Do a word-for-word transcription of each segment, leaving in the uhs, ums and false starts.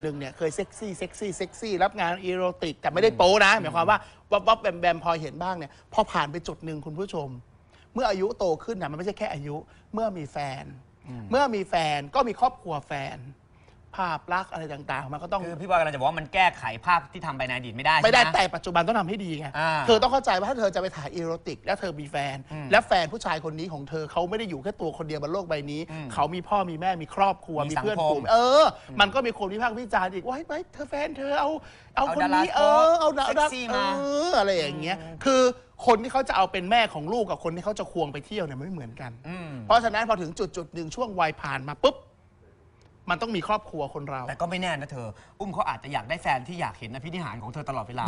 หนึ่งเนี่ยเคยเซ็กซี่เซ็กซี่เซ็กซี่รับงานอีโรติกแต่ไม่ได้โป๊นะหมายความว่าวับวับแบมแบมพอเห็นบ้างเนี่ยพอผ่านไปจุดหนึ่งคุณผู้ชมเมื่ออายุโตขึ้นนะมันไม่ใช่แค่อายุเมื่อมีแฟนเมื่อมีแฟนก็มีครอบครัวแฟนภาพลักษณ์อะไรต่างๆมันก็ต้องคือพี่บอยกำลังจะบอกว่ามันแก้ไขภาพที่ทำไปในอดีตไม่ได้ไม่ได้แต่ปัจจุบันต้องทำให้ดีไงเธอต้องเข้าใจว่าถ้าเธอจะไปถ่ายอีโรติกแล้วเธอมีแฟนและแฟนผู้ชายคนนี้ของเธอเขาไม่ได้อยู่แค่ตัวคนเดียวบนโลกใบนี้เขามีพ่อมีแม่มีครอบครัวมีเพื่อนฝูงเออมันก็มีคนวิพากษ์วิจารณ์อีกว่าเฮ้ยเธอแฟนเธอเอาเอาคนนี้เออเอาดาราเอออะไรอย่างเงี้ยคือคนที่เขาจะเอาเป็นแม่ของลูกกับคนที่เขาจะควงไปเที่ยวเนี่ยไม่เหมือนกันเพราะฉะนั้นพอถึงจุดจุดหนึ่งช่วงวัยผ่านมาปุ๊บมันต้องมีครอบครัวคนเราแต่ก็ไม่แน่นะเธออุ้มเขาอาจจะอยากได้แฟนที่อยากเห็นอภินิหารของเธอตลอดเวลา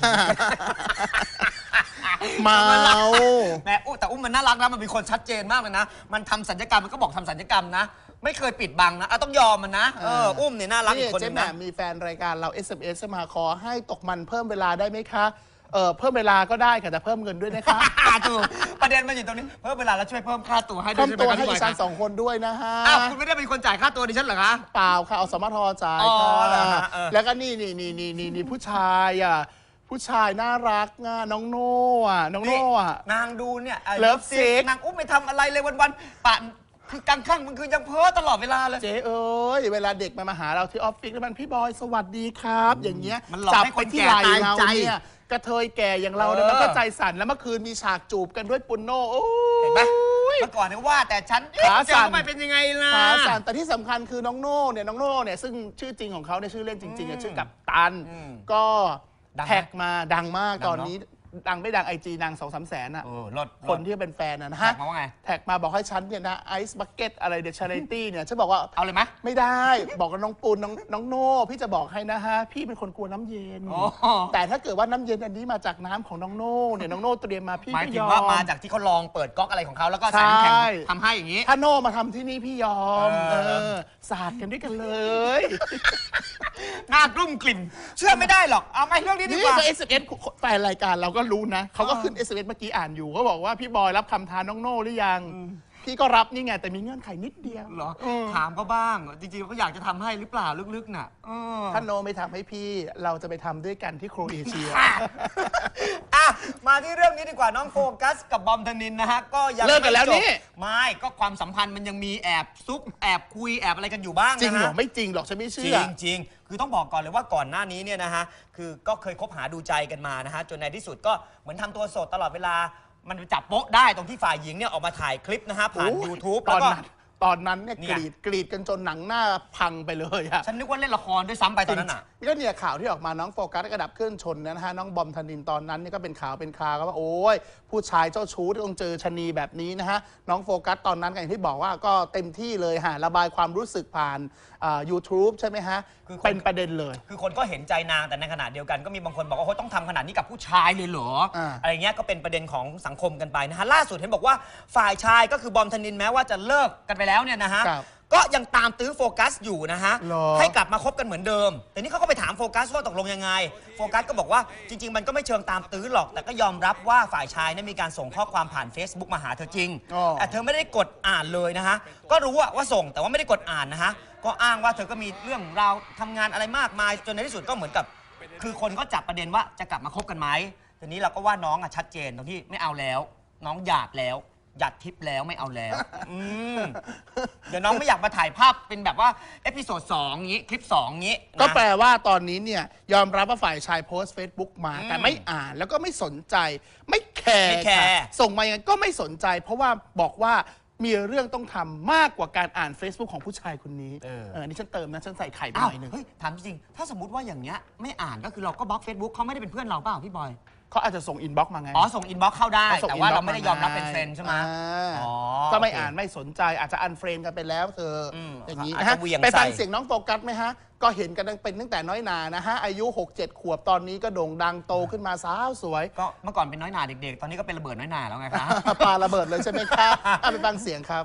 เมาแม่อุ้แต่อุ้มมันน่ารักนะมันเป็นคนชัดเจนมากเลยนะมันทำสัญญกรรมมันก็บอกทำสัญญกรรมนะไม่เคยปิดบังนะต้องยอมมันนะเอออุ้มเนี่ยน่ารักอีกคนนึงนะมีแฟนรายการเรา เอส เอ็ม เอส มาขอให้ตกมันเพิ่มเวลาได้ไหมคะเออเพิ่มเวลาก็ได้ค่ะแต่เพิ่มเงินด้วยนะคะถูกประเด็นมันอยู่ตรงนี้เพิ่มเวลาแล้วช่วยเพิ่มค่าตัวให้ด้วยเพิ่มตัวให้ดิฉันสองคนด้วยนะฮะอ้าวคุณไม่ได้เป็นคนจ่ายค่าตัวดิฉันเหรอคะเปล่าค่ะเอาสมทจ่ายค่ะแล้วก็นี่นี่นี่นี่นี่นี่ผู้ชายอ่ะผู้ชายน่ารักอ่ะน้องโน่อ่ะน้องโน่อ่ะนางดูเนี่ยเลิฟซิกนางอุ้มไม่ทำอะไรเลยวันๆปั่นคือกลางค่ำมันคือยังเพ้อตลอดเวลาเลยเจ๊เอ้ยเวลาเด็กมามาหาเราที่ออฟฟิศแล้วมันพี่บอยสวัสดีครับอย่างเงี้ยจับไปที่ไหล่เราเนี่ยกระเทยแก่อย่างเราเนี่ยมันก็ใจสั่นแล้วเมื่อคืนมีฉากจูบกันด้วยปุนโน่เห็นไหมเมื่อก่อนเนี่ยว่าแต่ฉันขาสั่นไปเป็นยังไงล่ะขาสั่นแต่ที่สำคัญคือน้องโน่เนี่ยน้องโน่เนี่ยซึ่งชื่อจริงของเขาเนี่ยชื่อเล่นจริงๆชื่อกับตันก็แท็กมาดังมากตอนนี้ดังไม่ดังไอจีนางสองสามแสนอะคนที่เป็นแฟนนะฮะแท็กมาบอกให้ฉันเนี่ยนะไอซ์บักเก็ตอะไรเดชาริตี้เนี่ยฉันบอกว่าเอาเลยไหมไม่ได้บอกกับน้องปูนน้องน้องโน่พี่จะบอกให้นะฮะพี่เป็นคนกลัวน้ำเย็นแต่ถ้าเกิดว่าน้ำเย็นอันนี้มาจากน้ำของน้องโน่เนี่ยน้องโน่เตรียมมาพี่หมายถึงว่ามาจากที่เขาลองเปิดก๊อกอะไรของเขาแล้วก็ใส่น้ำแข็งทำให้อย่างนี้ถ้าโน่มาทำที่นี่พี่ยอมเออสาดกันด้วยกันเลยน่ากลุ้มกลิ่นเชื่อไม่ได้หรอกเอาไม่เรื่องนี้ดีกว่านี่ก็เอสเอ็มแฟนรายการเราก็รู้นะเขาก็ขึ้น เอส เอ็ม เอส เมื่อกี้อ่านอยู่เขาบอกว่าพี่บอยรับคำท้าน้องโน่หรือยังพี่ก็รับนี่ไงแต่มีเงื่อนไขนิดเดียวเหรอถามเขาบ้างจริงๆเขาอยากจะทำให้หรือเปล่าลึกๆน่ะถ้าโนไม่ทำให้พี่เราจะไปทำด้วยกันที่โครเอเชียอ่ะมาที่เรื่องนี้ดีกว่าน้องโฟกัสกับบอมธนินนะฮะก็ยังเลิกกันแล้วนี่ไม่ก็ความสัมพันธ์มันยังมีแอบซุกแอบคุยแอบอะไรกันอยู่บ้างนะจริงเหรอไม่จริงหรอกฉันไม่เชื่อจริงจริงคือต้องบอกก่อนเลยว่าก่อนหน้านี้เนี่ยนะฮะคือก็เคยคบหาดูใจกันมานะฮะจนในที่สุดก็เหมือนทำตัวโสดตลอดเวลามันจับโป๊ะได้ตรงที่ฝ่ายหญิงเนี่ยออกมาถ่ายคลิปนะฮะผ่าน YouTube แล้วก็ตอนนั้นเนี่ยกรีดกรีดกันจนหนังหน้าพังไปเลยอะฉันนึกว่าเล่นละครด้วยซ้ำไปตอนนั้นอ่ะก็เนี่ยข่าวที่ออกมาน้องโฟกัสกระดับเคลื่อนชนนะฮะน้องบอมธนินตอนนั้นนี่ก็เป็นข่าวเป็นคราวว่าโอ้ยผู้ชายเจ้าชู้ต้องเจอชนีแบบนี้นะฮะน้องโฟกัสตอนนั้นอย่างที่บอกว่าก็เต็มที่เลยฮะระบายความรู้สึกผ่านยูทูบใช่ไหมฮะคือเป็นประเด็นเลยคือคนก็เห็นใจนางแต่ในขณะเดียวกันก็มีบางคนบอกว่าเขาต้องทำขนาดนี้กับผู้ชายเลยเหรออะไรเงี้ยก็เป็นประเด็นของสังคมกันไปนะฮะล่าสุดเห็นบอกว่าฝ่ายชายก็คือบอมธนินแม้ว่าจะเลิกกันไปแล้วเนี่ยนะฮะก็ยังตามตื้อโฟกัสอยู่นะฮะให้กลับมาคบกันเหมือนเดิมแต่นี่เขาก็ไปถามโฟกัสว่าตกลงยังไงโฟกัสก็บอกว่าจริงๆมันก็ไม่เชิงตามตื้อหรอกแต่ก็ยอมรับว่าฝ่ายชายนั้นมีการส่งข้อความผ่าน Facebook มาหาเธอจริงแต่เธอไม่ได้กดอ่านเลยนะฮะก็รู้ว่าส่งแต่ว่าไม่ได้กดอ่านนะฮะก็อ้างว่าเธอก็มีเรื่องราวทำงานอะไรมากมายจนในที่สุดก็เหมือนกับคือคนก็จับประเด็นว่าจะกลับมาคบกันไหมทีนี้เราก็ว่าน้องอ่ะชัดเจนตรงที่ไม่เอาแล้วน้องหยาดแล้วหยัดทิปแล้วไม่เอาแล้วเดี๋ยวน้องไม่อยากมาถ่ายภาพเป็นแบบว่าเอพิโซดสองงี้คลิปสองงี้ก็แปลว่าตอนนี้เนี่ยยอมรับว่าฝ่ายชายโพสต์ Facebook มาแต่ไม่อ่านแล้วก็ไม่สนใจไม่แคร์ส่งมายังไงก็ไม่สนใจเพราะว่าบอกว่ามีเรื่องต้องทำมากกว่าการอ่าน Facebook ของผู้ชายคนนี้เออนี่ฉันเติมนะฉันใส่ไข่ไปหน่อยนึงเฮ้ยถามจริงถ้าสมมติว่าอย่างเงี้ยไม่อ่านก็คือเราก็บล็อก Facebook เขาไม่ได้เป็นเพื่อนเราเปล่าพี่บอยเขาอาจจะส่งอินบ็อกซ์มาไงอ๋อส่งอินบ็อกซ์เข้าได้แต่ว่าเราไม่ได้ยอมรับเป็นเฟรนด์ใช่ไหมอ๋อก็ไม่อ่านไม่สนใจอาจจะอันเฟรนด์กันไปแล้วเธออย่างนี้นะฮะไปฟังเสียงน้องโฟกัสไหมฮะก็เห็นกันเป็นตั้งแต่น้อยนานะฮะอายุ หกเจ็ด ขวบตอนนี้ก็โด่งดังโตขึ้นมาสาวสวยก็เมื่อก่อนเป็นน้อยนาเด็กๆตอนนี้ก็เป็นระเบิดน้อยนาแล้วไงคะปาระเบิดเลยใช่ไหมครับไปฟังเสียงครับ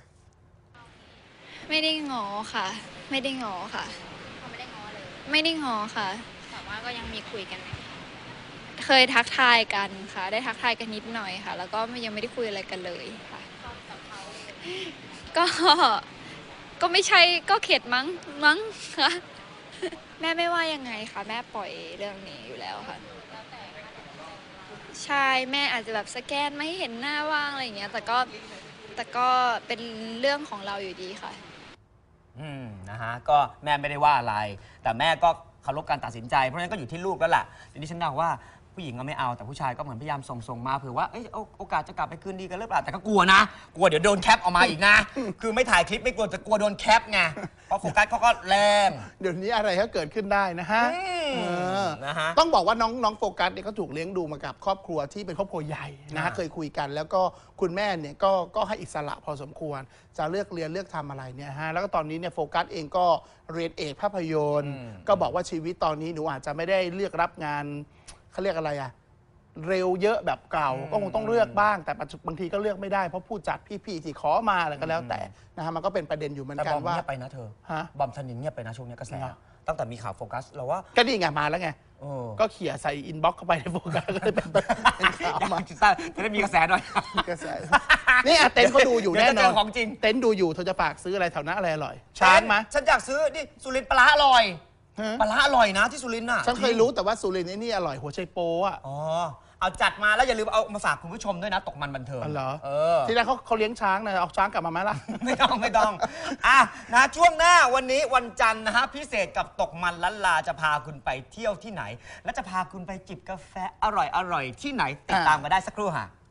ไม่ได้งอค่ะไม่ได้งอค่ะไม่ได้งอเลยไม่ได้งอค่ะแต่ว่าก็ยังมีคุยกันเคยทักทายกันค่ะได้ทักทายกันนิดหน่อยค่ะแล้วก็ยังไม่ได้คุยอะไรกันเลยค่ะก็ก็ไม่ใช่ก็เข็ดมั้งมั้งค่ะแม่ไม่ว่ายังไงคะแม่ปล่อยเรื่องนี้อยู่แล้วค่ะใช่แม่อาจจะแบบสแกนไม่ให้เห็นหน้าว่างอะไรอย่างเงี้ยแต่ก็แต่ก็เป็นเรื่องของเราอยู่ดีค่ะอืมนะฮะก็แม่ไม่ได้ว่าอะไร แต่แม่ก็เคารพการตัดสินใจเพราะฉะนั้นก็อยู่ที่ลูกแล้วล่ะทีนี้ฉันเดาว่าผู้หญิงก็ไม่เอาแต่ผู้ชายก็เหมือนพยายามส่งส่งมาเผื่อว่าเอ้ยโอกาสจะกลับไปคืนดีกันหรือเปล่าแต่ก็กลัวนะกลัวเดี๋ยวโดนแคปออกมาอีกนะ คือไม่ถ่ายคลิปไม่กลัวแต่กลัวโดนแคปไงเพราะโฟกัสเขาก็แรงเดี๋ยวนี้อะไรก็เกิดขึ้นได้นะฮะนะฮะต้องบอกว่าน้องน้องโฟกัสเนี่ยเขาถูกเลี้ยงดูมากับครอบครัวที่เป็นครอบครัวใหญ่นะฮะเคยคุยกันแล้วก็คุณแม่เนี่ยก็ก็ให้อิสระพอสมควรจะเลือกเรียนเลือกทำอะไรเนี่ยฮะแล้วก็ตอนนี้เนี่ยโฟกัสเองก็เรียนเอกภาพยนตร์ก็บอกว่าชีวิตตอนนี้หนูอาจจะไม่ได้เลือกรับงานเขาเรียกอะไรอะเร็วเยอะแบบเก่าก็คงต้องเลือกบ้างแต่บางทีก็เลือกไม่ได้เพราะผู้จัดพี่ๆที่ขอมาอะไรก็แล้วแต่นะฮะมันก็เป็นประเด็นอยู่เหมือนกันว่าแต่บอมเงียบไปนะเธอฮะบอมธนินเงียบไปนะช่วงนี้กระแสตั้งแต่มีข่าวโฟกัสเราว่าก็นี่ไงมาแล้วไงก็เขี่ยใส่อินบ็อกซ์เข้าไปในโฟกัสก็เลยเป็นข่าวมาจะได้มีกระแสหน่อยกระแสนี่เต็นท์เขาดูอยู่แน่นอนของจริงเต็นท์ดูอยู่เธอจะฝากซื้ออะไรแถวนั้นอะไรอร่อยช้างไหมฉันอยากซื้อนี่สุรินทร์ปลาอร่อยปลาอร่อยนะที่สุรินทร์น่ะฉันเคยรู้แต่ว่าสุรินทร์นี่อร่อยหัวไชโป๊ะอ๋อเอาจัดมาแล้วอย่าลืมเอามาฝากคุณผู้ชมด้วยนะตกมันบันเทิงเหรอเออที่แรกเขาเขาเลี้ยงช้างนะเอาช้างกลับมาไหมล่ะไม่ต้องไม่ต้องอ่ะนะช่วงหน้าวันนี้วันจันทร์นะฮะพิเศษกับตกมันล้านลาจะพาคุณไปเที่ยวที่ไหนและจะพาคุณไปจิบกาแฟอร่อยอร่อยที่ไหนติดตามกันได้สักครู่ค่ะ